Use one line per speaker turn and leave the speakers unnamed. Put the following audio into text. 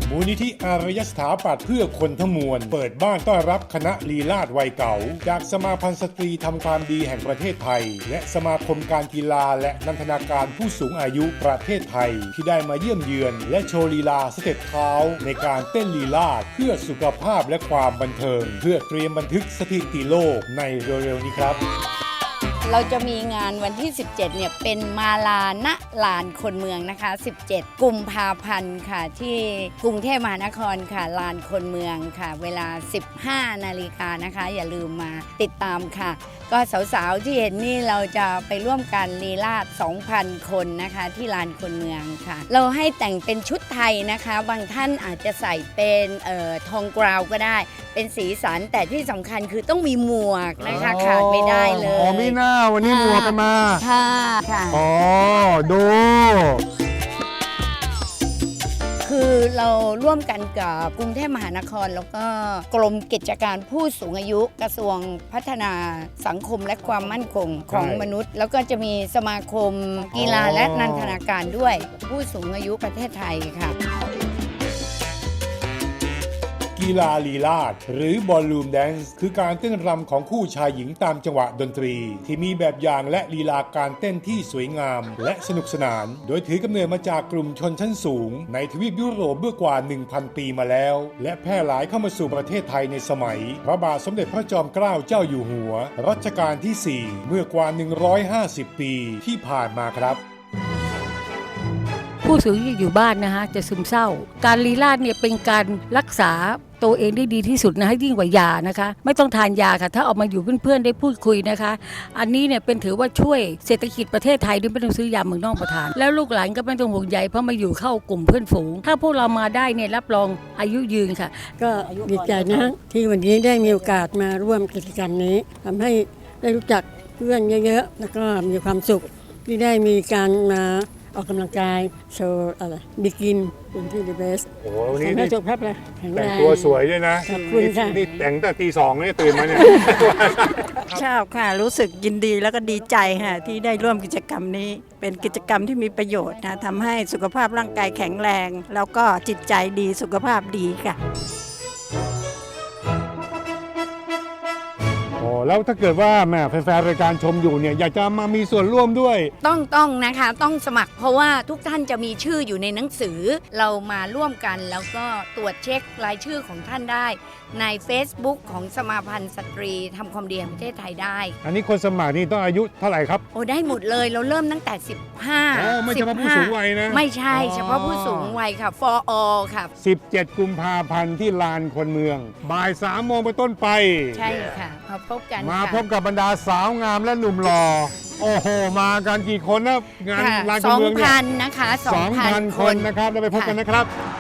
มูลนิธิอารยสถาปัตย์เพื่อคนทั้งมวลเปิดบ้านต้อนรับคณะลีลาศวัยเก่าจากสมาพันธ์สตรีทำความดีแห่งประเทศไทยและสมาคมการกีฬาและนันทนาการผู้สูงอายุประเทศไทยที่ได้มาเยี่ยมเยือนและโชว์ลีลาสเต็ปเท้าในการเต้นลีลาศเพื่อสุขภาพและความบันเทิงเพื่อเตรียมบันทึกสถิติโลกในเร็วๆนี้ครับ
เราจะมีงานวันที่ 17 เนี่ยเป็นมาลาณลานคนเมืองนะคะ 17 กุมภาพันธ์ค่ะที่กรุงเทพมหานครค่ะลานคนเมืองค่ะเวลา 15 นาฬิกานะคะอย่าลืมมาติดตามค่ะก็สาวๆที่เห็นนี่เราจะไปร่วมกันลีลาศ 2,000 คนนะคะที่ลานคนเมืองค่ะเราให้แต่งเป็นชุดไทยนะคะบางท่านอาจจะใส่เป็นทองกราวก็ได้เป็นสีสันแต่ที่สำคัญคือต้องมีหมวกนะคะขาดไม่ได้เลย
อ๋อมีหน้าวันนี้หมวกกันมา
ค่ะ
อ๋อดู
คือเราร่วมกันกับกรุงเทพมหานครแล้วก็กรมกิจการผู้สูงอายุกระทรวงพัฒนาสังคมและความมั่นคงของมนุษย์ แล้วก็จะมีสมาคมกีฬาและนันทนาการด้วยผู้สูงอายุประเทศไทยค่ะ
กีฬาลีลาศหรือบอลลูมแดนซ์คือการเต้นรำของคู่ชายหญิงตามจังหวะดนตรีที่มีแบบอย่างและลีลาการเต้นที่สวยงามและสนุกสนานโดยถือกำเนิดมาจากกลุ่มชนชั้นสูงในทวีปยุโรปเมื่อกว่า 1,000 ปีมาแล้วและแพร่หลายเข้ามาสู่ประเทศไทยในสมัยพระบาทสมเด็จพระจอมเกล้าเจ้าอยู่หัวรัชกาลที่ 4 เมื่อกว่า 150 ปีที่ผ่านมาครับ
ผู้สูงอายุอยู่บ้านนะคะจะซึมเศร้าการลีลาศเนี่ยเป็นการรักษาตัวเองได้ดีที่สุดนะให้ยิ่งกว่ายานะคะไม่ต้องทานยาค่ะถ้าออกมาอยู่เพื่อนๆได้พูดคุยนะคะอันนี้เนี่ยเป็นถือว่าช่วยเศรษฐกิจประเทศไทยด้วยไม่ต้องซื้อยาเมืองนอกมาทานแล้วลูกหลานก็ไม่ต้องห่วงใยเพราะมาอยู่เข้ากลุ่มเพื่อนฝูงถ้าพวกเรามาได้เนี่ยรับรองอายุยืนค่ะ
ก็ดีใจนะที่วันนี้ได้มีโอกาสมาร่วมกิจกรรมนี้ทำให้ได้รู้จักเพื่อนเยอะๆแล้วก็มีความสุขที่ได้มีการมาออกกำลังกายโชว์อะไรบิกินเป็นที่ดีเบส
โอ้วันนี้
สุขภาพเลย
แต่งตัวสวยด้วยนะ
ขอบคุณค่ะ
นี่แต่งแต่ตี 2นี่ตื่นมาเนี่ย
ชอบค่ะรู้สึกยินดีแล้วก็ดีใจค่ะที่ได้ร่วมกิจกรรมนี้เป็นกิจกรรมที่มีประโยชน์นะทำให้สุขภาพร่างกายแข็งแรงแล้วก็จิตใจดีสุขภาพดีค่ะ
แล้วถ้าเกิดว่าแม่แฟนๆรายการชมอยู่เนี่ยอยากจะมามีส่วนร่วมด้วย
ต้องนะคะต้องสมัครเพราะว่าทุกท่านจะมีชื่ออยู่ในหนังสือเรามาร่วมกันแล้วก็ตรวจเช็ครายชื่อของท่านได้ใน Facebook ของสมาพันธ์สตรีทำความดีแห่งประเทศไทยได้
อันนี้คนสมัครนี่ต้องอายุเท่าไหร่ครับ
โอ้ได้หมดเลยเราเริ่มตั้งแต่15
ไม่เฉพาะผู้สูงวัยนะ
ไม่ใช่เฉพาะผู้สูงวัยค่ะ for all ค่ะ
17 กุมภาพันธ์ที่ลานคนเมืองบ่าย 3 โมงเป็นต้นไป
ใช่ค่ะมาพบกัน
มาพบกับบรรดาสาวงามและหนุ่มหล่อโอ้โหมากันกี่คนนะงานลานคนเมืองเนี่ย
2,000 นะคะ
2,000 คนนะครับแล้วไปพบกันนะครับ